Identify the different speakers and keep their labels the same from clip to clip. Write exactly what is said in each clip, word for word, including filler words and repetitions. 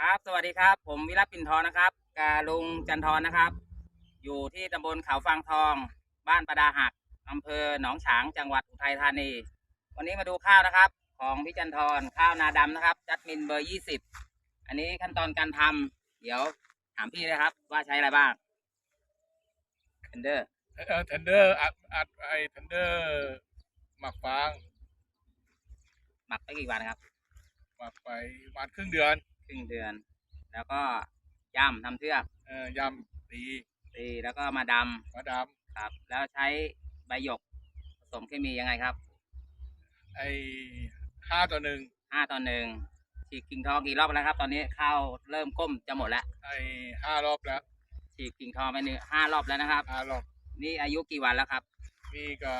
Speaker 1: ครับสวัสดีครับผมวิรัตปิ่นทองนะครับกาลุงจันทรนะครับ อยู่ที่ตำบลเขาฟางทองบ้านประดาหักอำเภอหนองฉางจังหวัดอุทัยธานีวันนี้มาดูข้าวนะครับของพี่จันทรข้าวนาดำนะครับจัดมินเบอร์ยี่สิบอันนี้ขั้นตอนการทำเดี๋ยวถามพี่เลยครับว่าใช้อะไรบ้างเทนเดอร์
Speaker 2: เออเทนเดอร์อัดอัดไอเทนเดอร์หมักฟาง
Speaker 1: หมักไปกี่วันครับ
Speaker 2: หมักไปประมาณครึ่งเดือน
Speaker 1: ครึ่งเดือน แล้วก็ย่ำทำเทือก
Speaker 2: เออยำตี
Speaker 1: ตีแล้วก็มาด
Speaker 2: ำมาด
Speaker 1: ำครับแล้วใช้ใบหยกผสมเคมียังไงครับ
Speaker 2: ำไอห้าต่อหนึ่ง
Speaker 1: ห้าต่อหนึ่งฉีกกิ่งทองกี่รอบแล้วครับตอนนี้ข้าวเริ่มก้มจะหมดแล้ว
Speaker 2: ไอห้ารอบแล้ว
Speaker 1: ฉีกกิ่งทองไปหนึ่งห้ารอบแล้วนะครับ
Speaker 2: ห้ารอบ
Speaker 1: นี่อายุกี่วันแล้วครับ
Speaker 2: นี่ก็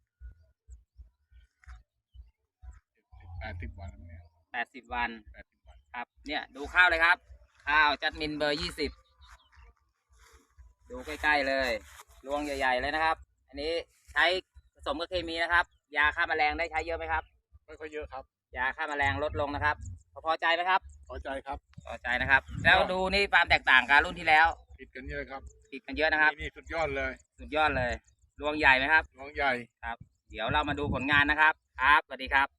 Speaker 2: แปดสิบวันเนี่ย
Speaker 1: แปดสิบวัน
Speaker 2: แปดสิบวัน
Speaker 1: ครับเนี่ยดูข้าวเลยครับข้าวจัดมินเบอร์ยี่สิบดูใกล้ๆเลยรวงใหญ่ๆเลยนะครับอันนี้ใช้ผสมกับเคมีนะครับยาฆ่าแมลงได้ใช้เยอะไหมครับ
Speaker 2: ไม่ค่อยเยอะครับ
Speaker 1: ยาฆ่าแมลงลดลงนะครับพอใจไหมครับ
Speaker 2: พอใจครับ
Speaker 1: พอใจนะครับแล้วดูนี่ความแตกต่างกับรุ่นที่แล้ว
Speaker 2: ผิดกันเยอะครับ
Speaker 1: ผิดกันเยอะนะครับ
Speaker 2: นี่สุดยอดเลย
Speaker 1: สุดยอดเลยรวงใหญ่ไหมครับ
Speaker 2: รวงใหญ่
Speaker 1: ครับเดี๋ยวเรามาดูผลงานนะครับครับสวัสดีครับ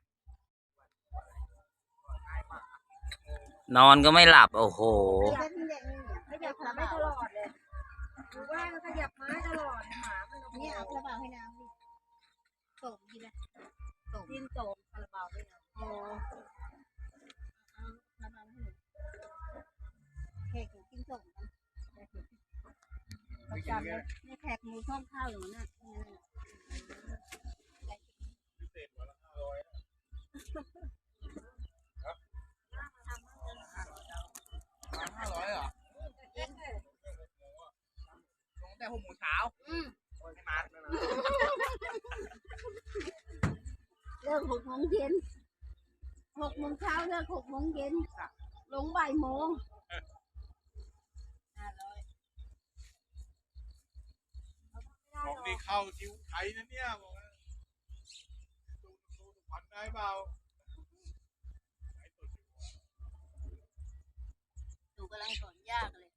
Speaker 1: นอนก็ไม่หลับโอ้โห
Speaker 3: ขยับขาไม่ตลอดเลยหรือว่าขยับไม้ตลอดหมามันเนี่ยเอากระเป๋าให้น้ำดิโสมดีนะโสมดินโสมกระเป๋าด้วยนะอ๋อเอากระเป๋าให้หนูแขกกินโสมกันประจำเลยนี่แขกหมูช่องข้าวอยู่นั่น
Speaker 2: พิเศษวันละห้าร้อยห้าร้อยเหรอ
Speaker 1: แต่หกโมงเช้าไม่มา
Speaker 3: เลิกหกโมงเย็นหกโมงเช้าเลิกหกโมงเย็นลงบ่ายโมง
Speaker 2: บอกนี่เข้าคิวไทยนะเนี่ยบอกว่าดูดูผ่อนได้เปล่า
Speaker 3: หนูกำลังสอนยากเลย